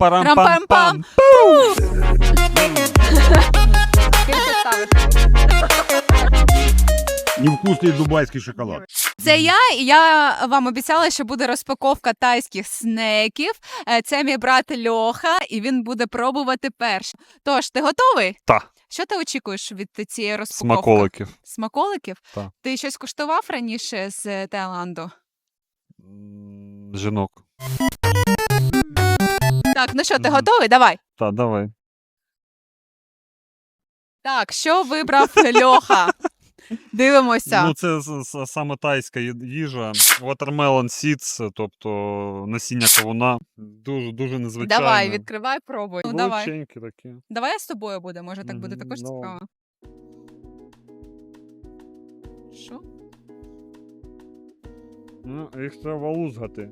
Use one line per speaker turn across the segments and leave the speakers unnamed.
Парам-пам-пам.
Скільки ставиш?
Невкусний дубайський шоколад.
Це я вам обіцяла, що буде розпаковка тайських снеків. Це мій брат Льоха, і він буде пробувати перший. Тож, ти готовий?
Та.
Що ти очікуєш від цієї розпаковки?
Смаколиків.
Смаколиків?
Та.
Ти щось куштував раніше з Таїланду?
Жінок.
Так, ну що, ти готовий? Давай.
Та, давай.
Так, що вибрав Льоха? Дивимося.
Ну, це саме тайська їжа. Watermelon seeds, тобто насіння кавуна. Дуже незвичайне.
Давай, відкривай, пробуй. Ну, давай.
Величенькі такі.
Давай я з тобою буде, може так буде також
Ну.
цікаво. Що?
Ну, їх треба лузгати.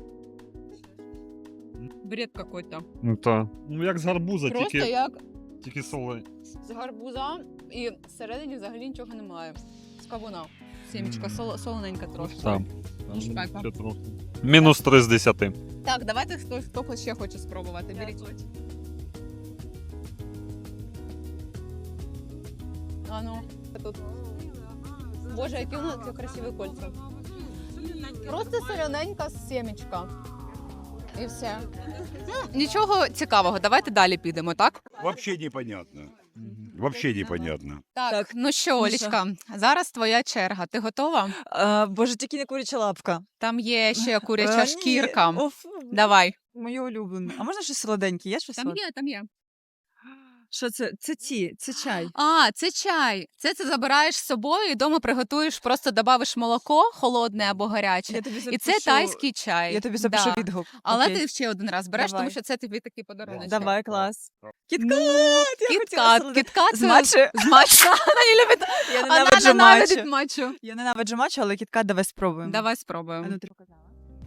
Бред какой-то.
Ну, та. Ну, як з гарбуза,
Просто як
тільки солей.
з гарбуза і всередині взагалі нічого немає. З кавуна. Сімечка солоненька трошки.
Там.
Шпека.
Ще трохи. Мінус 3 з 10.
Так, давайте хто ще хоче спробувати. Беріть. А ну, тут. Боже, які у нас красиві кольця. Просто солененька сімечка. І все. Ну, нічого цікавого, давайте далі підемо, так?
Вообще непонятно. Вообще непонятно.
Так, ну що, Олічка, зараз твоя черга. Ти готова?
Боже, тільки не куряча лапка.
Там є ще куряча
Ні,
шкірка.
оф,
Давай.
моє улюблене. А можна щось солоденьке? Є щось солоденьке?
там є.
Що це? Це чай.
А, це чай. Це ти забираєш з собою і вдома приготуєш, просто добавиш молоко холодне або гаряче.
Я тобі
І це тайський чай.
Я тобі запишу
Да.
відгук.
Але
Окей.
ти ще один раз береш,
Давай.
тому що це тобі такий подарунок.
Давай, клас. Кіткат!
Ну,
Я хотіла солоденьке.
Кіткат.
З матчі?
З матчу. Вона не любить.
Я
Вона
ненавиджу
ненавидить
матчу.
матчу.
Я ненавиджу матчу, але кіткат давай спробуємо.
Давай
А
спробуємо.
ну, ти показала?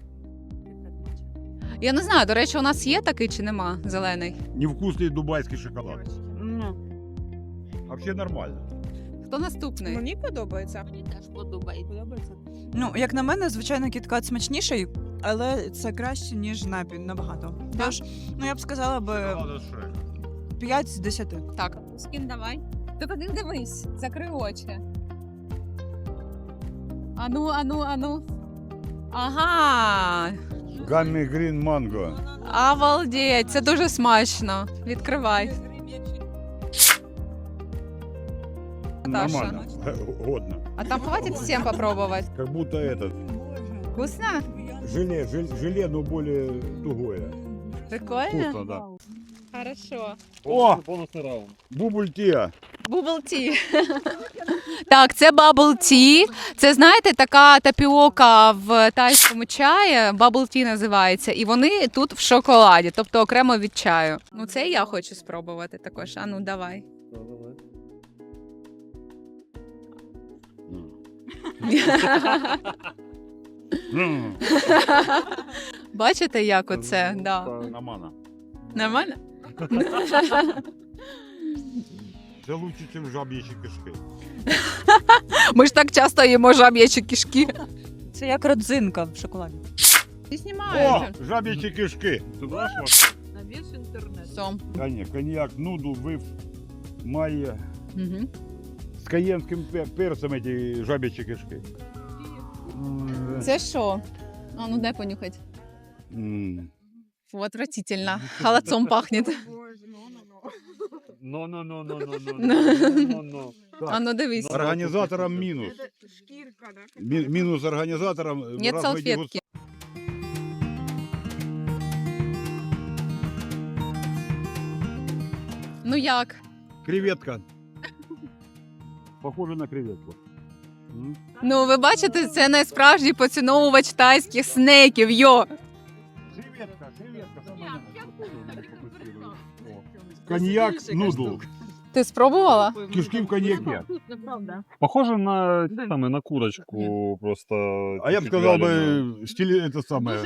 Я не знаю, до речі, у нас є такий чи нема зелений?
Невкусний дубайський шоколад.
Ну.
Вообще нормально.
Хто наступний?
Мені подобається.
Мені теж подобається.
Ну, як на мене, звичайно, кіткат смачніший, але це краще, ніж напій, набагато. Тож, ну я б сказала би 5 з 10.
Так. Скін давай. Тільки не дивись, закрий очі. Ану. Ага.
Гаммі грін манго.
Обалдеть, це дуже смачно. Відкривай.
Нормально. Годно.
А там хватит всем попробовать?
Как будто этот
Вкусно?
желе, но более тугое.
Прикольно?
Вкусно, да.
Хорошо.
О!
Бонусний раунд.
Бубль-тия.
Bubble tea. Так, це bubble tea. Це, знаєте, така тапіока в тайському чаї. Bubble tea називається. І вони тут в шоколаді, тобто окремо від чаю. Ну, це я хочу спробувати також. А ну, давай. Бачите, як оце? Да.
Нормально.
Нормально?
Це лучше, ніж жаб'ячі кишки.
Ми ж так часто їмо жаб'ячі кишки.
Це як родзинка в шоколаді.
Ти
О,
знімаєш.
жаб'ячі кишки.
Ти знаєш,
Сом.
Коньяк, нуду, вив, має.
Угу.
З каєнським перцем эти жаб'ячі кишки.
Це що? А ну дай понюхать.
М.
Фу, отвратительно. Холодцом пахнет.
Ну.
А ну дивись.
Організаторам мінус. Мінус організаторам.
Нет
раз
салфетки. Ну як?
Креветка. Похоже на креветку.
Ну ви бачите, це найсправжній поціновувач тайських снеків, йо!
Креветка. Коньяк, нудл.
Ти спробувала?
Кишки в коньяке.
Похоже на курочку просто.
А я б сказав би, стиль это самое.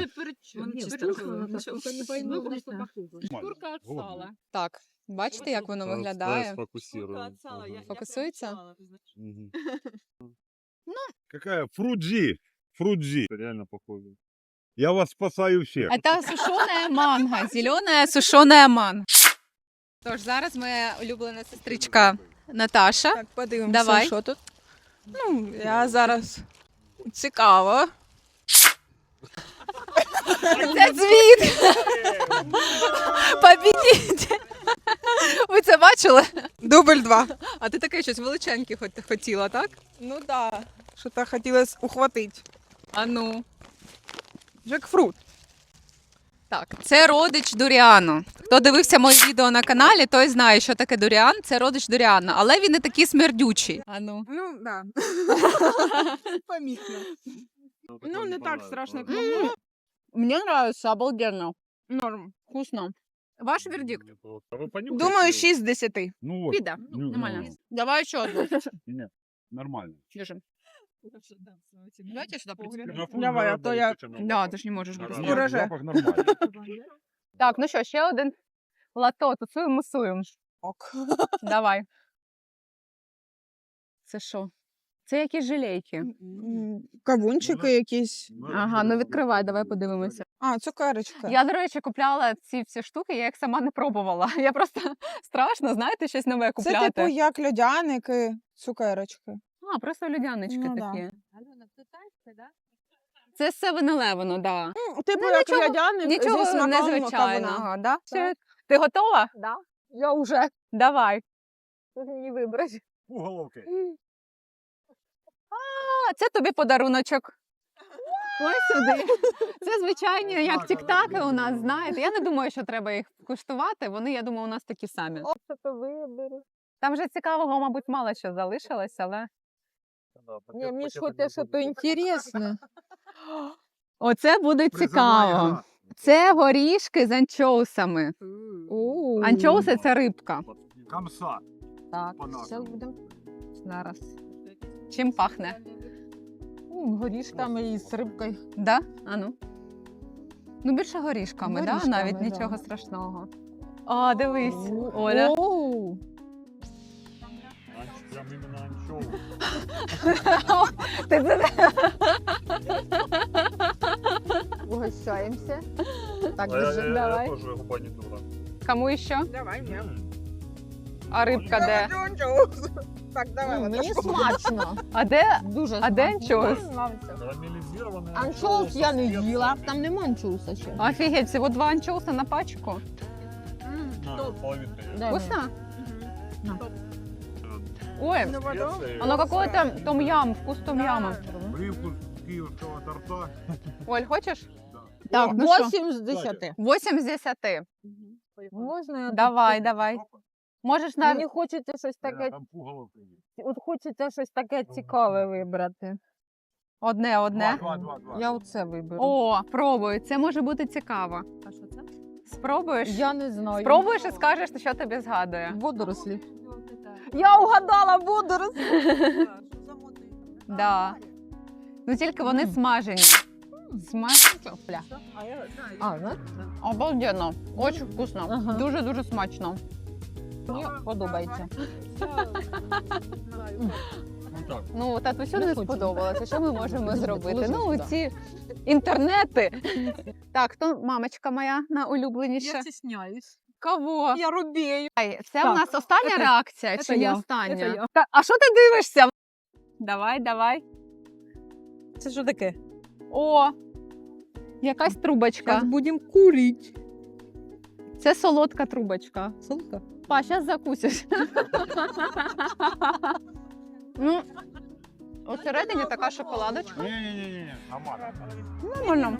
Шкурка від сала. Так, бачите, як воно виглядає? Фокусується?
Какая? Фрудзи.
Реально похоже.
Я вас спасаю всех.
Это сушеная манго, зелена сушеная манго. Тож, зараз моя улюблена сестричка Наташа.
Так, подивимося,
Давай.
що тут. Ну, я зараз цікаво.
Це звіт! Побідіть! Ви це бачили?
Дубль 2.
А ти таке щось величеньке хотіла, так?
Ну да. Що-то хотілося ухватити.
А ну.
Джекфрут.
Так, це родич дуріану. Хто дивився моє відео на каналі, той знає, що таке дуріан. Це родич дуріану, але він не такий смердючий. А ну.
Ну, да. Помітно. Ну, не так страшно, як могло.
Мені подобається, обалденно.
Норм.
Вкусно. Ваш вердикт?
А ви понюхайте
Думаю,
його?
6 з 10.
Ну вот.
Піда.
Ну,
Нормально.
ну,
Давай ще одну.
Нет, нормально.
Держим. Давайте сюди
Давай, а то я-
Да, ти ж не можеш.
Нет,
без
Нет,
цього.
Урожай.
запах нормальный.
Так, ну що, ще один лато, тусуємо.
Ок.
Давай. Це що? Це якісь жилейки.
Кавунчики якісь.
Ага, ну відкривай, давай подивимося.
А, цукерочка.
Я, до речі, купляла ці всі штуки, я їх сама не пробувала. Я просто страшно, знаєте, щось нове
Це
купляти.
типу як льодяники, цукерочки.
А, просто людянички
Ну, да.
такі. Це 7-Eleven, да.
Типу
Ну,
як
нічого-
льодяник
Нічого
зі смаком
незвичайного.
кавуна.
Да?
Так.
Ти готова?
Да. Я вже.
Давай.
Мені вибрати.
Уголовки.
А, це тобі подаруночок. Ось сюди. Це звичайні, як тіктаки у нас, знаєте. Я не думаю, що треба їх куштувати. Вони, я думаю, у нас такі самі.
Це то виберу.
Там вже цікавого, мабуть, мало що залишилось, але.
Ні, мені ж хочеться щось інтересне.
Оце буде цікаво. Це горішки з анчоусами. Анчоуси це рибка.
Камса.
Так,
По-нашому.
зараз будемо.
Зараз. Чим пахне?
Горішками і з рибкою.
Да? А ну. Ну, більше горішками, да?
Горішками,
Навіть
да.
нічого страшного. О, дивись, Оля.
Оу.
Прям іменно анчоус.
Ти це-
Угощаємося. Так,
А я
держи, давай.
теж губа не дура.
Кому ще?
Давай, мне.
А рибка де?
Так, давай.
Мені смачно.
А де?
Дуже
А де
смачно.
анчоус?
Карамелізований
Анчоус я не
з
їла,
перцем.
там нема анчоуса ще.
Офігеть, всього 2 анчоуса на пачку.
На, половинка є.
Дай
Вкусно?
На.
Ой,
Ну,
Спеції.
оно какое-то том-ям, вкус том-яма.
Привкус киевского торта.
Оль, хочеш?
Так,
ну що?
8 з 10.
8 з 10.
Можна я
Давай,
тут-
давай. Можеш
Мені
навіть...
хочеться щось таке,
Там пуголовки є.
от хочеться щось таке цікаве вибрати.
Одне.
Два.
Я оце виберу.
О, пробуй, це може бути цікаво. А що це? Спробуєш?
Я не знаю.
Спробуєш і скажеш, що тобі згадує.
Водорослі. Я угадала водорослі.
Да. Ну тільки вони смажені. Смажені. Бля.
А, ну,
Обалденно. Очень вкусно.
Ага.
Дуже-дуже смачно.
мені подобається.
Ну так.
Ну, татусю
Не
не
хочу.
сподобалося. Що ми можемо
Подожди,
зробити?
положи
Ну,
сюди.
ці інтернети. Так, хто мамочка моя найулюбленіша?
стесняюсь.
Кого?
Я рубею.
Це
Так,
у нас остання
це-
реакція
це
чи не
я,
остання?
це я.
А що ти дивишся? Давай.
Це що таке?
О, якась трубочка.
будемо курити.
Це солодка трубочка.
Солодка?
Па, зараз закусиш. Ну, усередині така шоколадочка.
Не-не-не, нормально.
Нормально.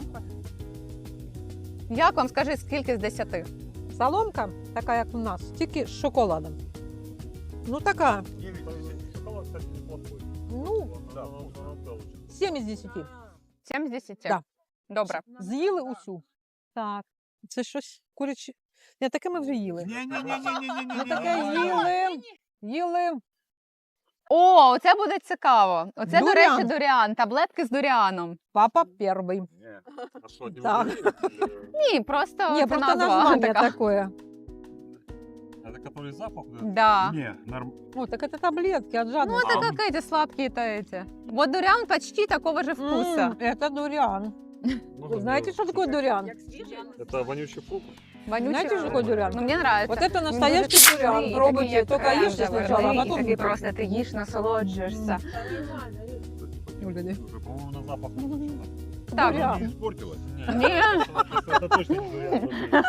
Як вам, скажи, скільки з 10?
Соломка, така як у нас, тільки з шоколадом. Ну така,
Шоколад, кстати, неплохой.
ну,
Да,
7 із 10.
7 з 10?
Да.
Добре.
З'їли усю. Так. Це щось куряче. Не, таке ми вже їли. Ми таке
Не-не-не-не-не-не.
їли.
О, оце буде цікаво. Оце, до
Дуріан.
речі, дуріан. Таблетки з дуріаном.
Папа перший.
Не.
А що, не
Так.
варили?
Ні, просто,
Ні,
це
просто
назва
названня
така.
таке.
Это который запах? Да?
Да.
Не, норм...
О, так це таблетки від
Ну,
жадності.
это как эти сладкие-то эти. Вот дуриан почти такого же вкуса.
Це дуріан. Вы знаете, что такое дуриан?
Это вонючий фрукт.
Вонючий
Знаете, что
фрукт.
такое дуриан?
Ну, мені нравится.
Вот это настоящий дуриан. Пробуйте, только ешьте сначала, а потом...
Такий просто ти їш, насолоджуєшся.
Гляди.
Уже, по-моему, на запах.
Так.
Дуриан.
Не испортилось?
Ні.
Это точно не дуриан.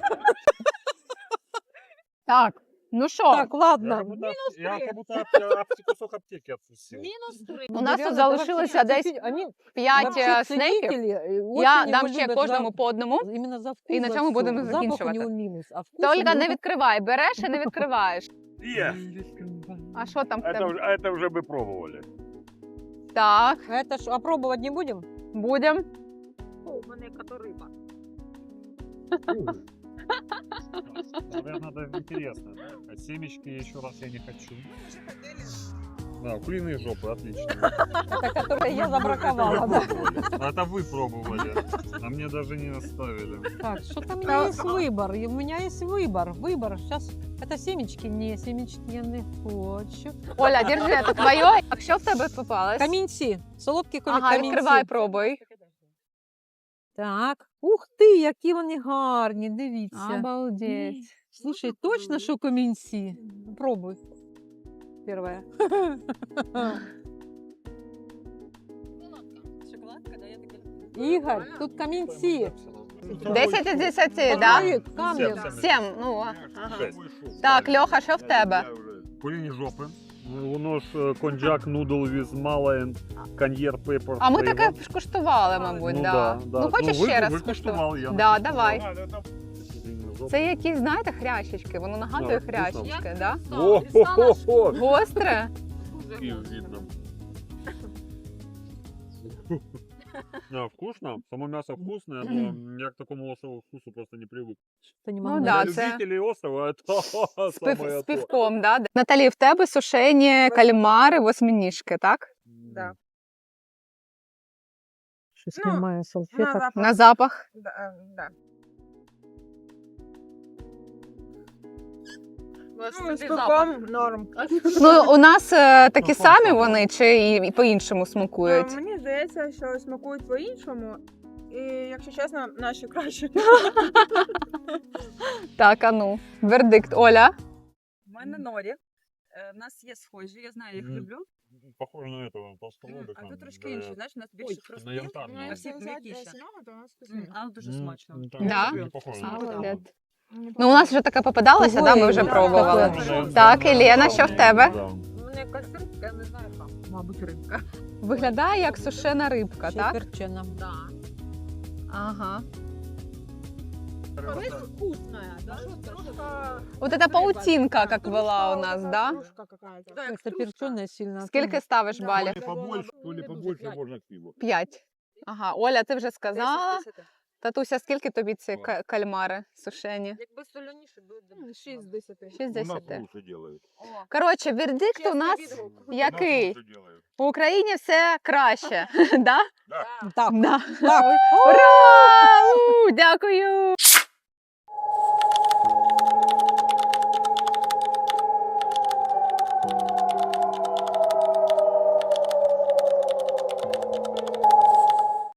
Так, ну що,
Так, ладно.
Я как будто кусок аптеки откусил.
у нас тут
Дуриан, это
залишилося
вообще
десь
ценители- они
5
вообще
снеків.
ценители,
Я
очень
дам
его
ще
любят
кожному
за-
по одному.
Именно за вкус.
І на
за
цьому
всё.
будемо
Запах у
закінчувати.
него минус, а вкус
Та,
у
Ольга,
него-
не відкривай, береш і не відкриваєш.
Есть.
А що там в
Это,
тебе?
это уже бы пробовали.
Так,
А это ж, а пробовать не будем?
будемо.
Наверное, это интересно. А семечки еще раз я не хочу. Да, куриные жопы, отлично.
Это которые я забраковала, да?
Это вы пробовали, а мне даже не оставили.
Так, что-то у меня есть выбор. И у меня есть выбор. Выбор. Сейчас это семечки. Не, семечки я не хочу.
Оля, держи, це твоє. А що в тебе попалось?
Камінці. Солодкі
Ага,
камінці.
відкривай, пробуй.
Так. Ух ти, які вони гарні, дивіться.
Обалдеть.
Слушай, точно, що камінці? Пробуй. Первое. Ігор, тут камінці.
10 із 10,
Камінь,
да?
камінь.
7, ну, ага.
Шесть.
Так, Льоха, що в тебе?
Куриные жопы. Воно ж коньяк, нудл with Malayan, коньєр, пепер.
А ми таке ж куштували, мабуть,
Ну
да.
да, да.
Ну, хочеш
Ну, ви-
ще раз
ви
скуштувати?
куштували, я не
Да,
куштував.
давай.
Куриные жопы.
Це якісь, знаєте, хрящички, воно нагадує
Да,
хрящички, да?
О-хо-хо-хо!
Гостре?
И видно. А, вкусно? Само мясо вкусное, но я к такому острому вкусу просто не привык.
Та не
Ну
могу.
да,
Для
це
любителей острова это самое
з
то.
півком, да? Наталі, в тебе сушені кальмари, восьминіжки, так?
Да.
Щось
Ну,
немає салфеток.
На запах.
Да.
Ну,
З пивком норм.
Ну, у нас такі самі вони, чи і по-іншому смакують?
Мені здається, що смакують по-іншому. І, якщо чесно, наші краще.
Так, а ну, вердикт. Оля?
У мене норі. В нас є схожі, я знаю, їх
Мгм.
люблю.
Похоже на этого толстолобика.
А тут трошки інші, знаєш, у нас більше
на
хрустки,
янтарного.
а всі м'якіші. Але дуже смачно.
Да?
Не похоже на
Молодець.
такого.
Ну, у нас вже таке попадалося, да, ми вже
Ой,
пробували.
таке.
Так, Єлена, що в тебе?
Да.
Мені якась рибка, я не знаю яка. Мабуть, рибка.
Виглядає як сушена рибка,
Ще й
так?
перчена.
Да.
Ага.
Вкусная, да? Трошка...
Вот эта паутинка, как была у нас, да?
Трошка какая-то. Да,
Це перчена сильно.
Скільки ставиш
Да.
балів?
То ли побольше, то ли побольше можно к пиву.
5. Ага, Оля, ти вже сказала.
10 з 10.
Татуся, скільки тобі ці кальмари сушені?
Якби соляніше, буде 6 з 10.
6 з
У нас
10.
лучше делают.
Коротше, вердикт у нас
У нас
який?
лучше делают.
В Україні все краще, да?
Так.
Да.
Так.
Ура! У, дякую!